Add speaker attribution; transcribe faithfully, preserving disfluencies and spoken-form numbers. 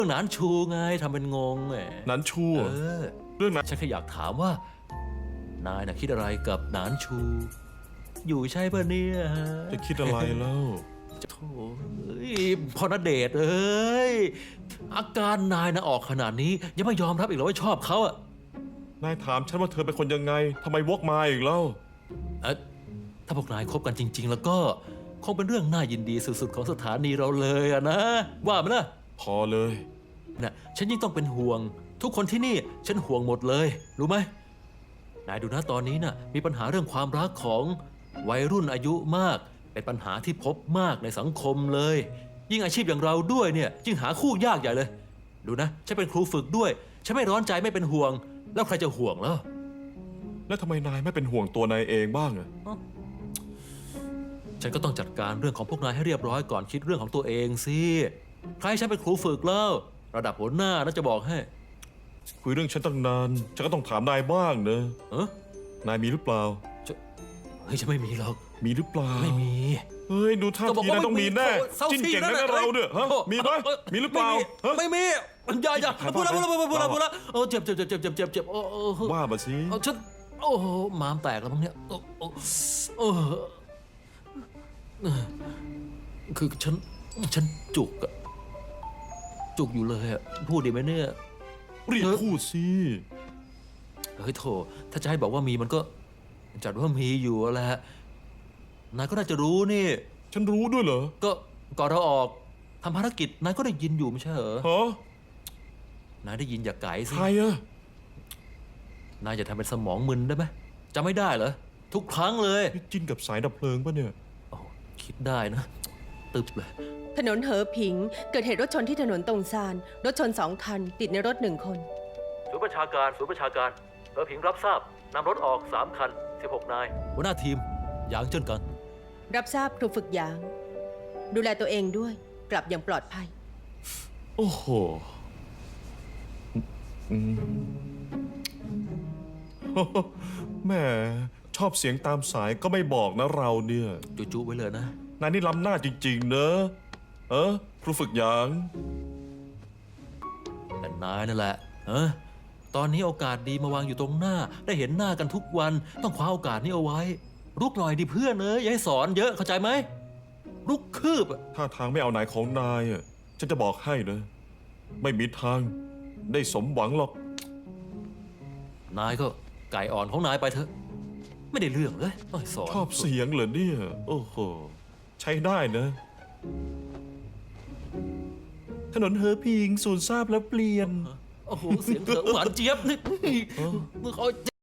Speaker 1: รื่องหนานชูไงทำเป็นงงแหม
Speaker 2: นั้นชู
Speaker 1: เออ
Speaker 2: เรื่องนั้น
Speaker 1: ฉันแค่อยากถามว่า นายน่ะคิดอะไรกับหนานชู อยู่ใช่ป่ะเนี่ยฮะ
Speaker 2: จะคิดอะไรแล้ว
Speaker 1: โถ่เอ้ยพ่อณเดชน์เอ้ยอาการนายนะออกขนาดนี้ ยังไม่ยอมรับอีกเหรอว่าชอบเขาอะ
Speaker 2: นายถามฉันว่าเธอเป็นคนยังไงทำไมวกมาอีกแล้ว
Speaker 1: เอ๊ะถ้าพวกนายคบกันจริง ๆ แล้วก็คงเป็นเรื่องน่ายินดีสุดๆของสถานีเราเลยอะนะ ว่าไหมล่ะ
Speaker 2: พอเลย
Speaker 1: นะฉันยิ่งต้องเป็นห่วง ทุกคนที่นี่ฉันห่วงหมดเลย รู้ไหมนายดูนะตอนนี้นะ่ะมีปัญหาเรื่องความรักของวัยรุ่นอายุมาก เป็นปัญหาที่พบมากในสังคมเลย ยิ่งอาชีพอย่างเราด้วยเนี่ยยิ่งหาคู่ยากใหญ่เลย ดูนะฉันเป็นครูฝึกด้วยฉันไม่ร้อนใจไม่เป็นห่วง แล้วใครจะห่วงแล้ว
Speaker 2: แล้วทำไมนายไม่เป็นห่วงตัวนายเองบ้างอะ
Speaker 1: ฉันก็ต้องจัดการเรื่องของพวกนายให้เรียบร้อยก่อนคิดเรื่องของตัวเองสิใครฉันเป็นครูฝึกแล้ว ระดับหัวหน้าน่าจะบอกให้
Speaker 2: คุยเรื่องฉันตั้งนานฉันก็ต้องถามนายบ้างเนอะ
Speaker 1: เออน
Speaker 2: ายมีหรือเปล่า
Speaker 1: เฮ้ยฉันไม่มีหรอก
Speaker 2: มีหรือเปล่า
Speaker 1: ไม่มี
Speaker 2: เฮ้ยดูท่า
Speaker 1: ก็บอก
Speaker 2: ที
Speaker 1: ว่าน
Speaker 2: ายต้องมีแน่
Speaker 1: เศร้า
Speaker 2: จิ้น
Speaker 1: ซี
Speaker 2: เก่ง
Speaker 1: นั่
Speaker 2: นะ
Speaker 1: นน่ะ
Speaker 2: เราเนี่ยฮะ
Speaker 1: โอ้
Speaker 2: มีไหมมีหรือเปล่าฮะ
Speaker 1: ไม่มีไม่มีอย่าอย่า
Speaker 2: ถ่ายภาพ
Speaker 1: พูดแล้วพูดแล้วพูดแล้ว
Speaker 2: เรา
Speaker 1: พูดแล้วเออเจ็บเจ็บเจ็บเจ็บเจ็บเจ็บเจ็บโอ้โอ้
Speaker 2: ว่ามาสิ
Speaker 1: เอาฉันโอ้โหม้ามแตกแล้วมั้งเนี่ยโอ้โอ้โอ้เออคือฉันฉันจุกอะจุกอยู่เลยอะพูดดีไหมเนี่ย
Speaker 2: รีบพูดสิ
Speaker 1: เฮ้ยโถถ้าจะให้บอกว่ามีมันก็จัดว่ามีอยู่แหละนายก็น่าจะรู้นี่
Speaker 2: ฉันรู้ด้วยเหรอ
Speaker 1: ก็ก่อนเราออกทำภารกิจนายก็ได้ยินอยู่ไม่ใช่เหรอ
Speaker 2: ฮะ
Speaker 1: นายได้ยินอย่าไก่สิ
Speaker 2: ใครอะ
Speaker 1: นายจะทำเป็นสมองมึนได้ไหมจำไม่ได้เหรอทุกครั้งเลย
Speaker 2: นี่จิ้นกับสายดับเพลิงปะเนี่ย
Speaker 1: โอ้คิดได้นะตึบเลย
Speaker 3: ถนนเหอผิง เกิดเหตุรถชนที่ถนนตงซาน รถชนสองคัน ติดในรถหนึ่งคน
Speaker 1: ศูนย์ประชาการศูนย์ประชาการเออผิงรับทราบนำรถออกสามคันสิบหกนายหัวหน้าทีมหยางเจิ้นกัน
Speaker 3: รับทราบครูฝึกหยาง ดูแลตัวเองด้วย กลับอย่างปลอดภัย
Speaker 2: โอ้โหอืมแหม่ชอบเสียงตามสายก็ไม่บอกนะเราเนี่ย
Speaker 1: จุ๊ๆไว้เลยนะ
Speaker 2: นายนี่ล้ำหน้าจริงๆเนอะเออครูฝึกหยาง
Speaker 1: แต่นายนั่นแหละเออตอนนี้โอกาสดีมาวางอยู่ตรงหน้า ได้เห็นหน้ากันทุกวันต้องคว้าโอกาสนี้เอาไว้รุกหน่อยดิเพื่อนเอ้ยอย่าให้สอนเยอะเข้าใจไหมรุกคืบอะ
Speaker 2: ถ้าทางไม่เอาไหนของนายอ่ะฉันจะบอกให้นะ ไม่มีทางได้สมหวังหรอก
Speaker 1: นายก็ไก่อ่อนของนายไปเถอะ ไม่ได้เรื่องเลยต้องให้สอน
Speaker 2: ชอบเสียงเหรอเนี่ย โอ้โห ใช้ได้นะ ถนนเฮอพิงสูนทราบแล้วเปลี่ยน
Speaker 1: โอ้โหเสียงเธอหวานเจี๊ยบนี่เขา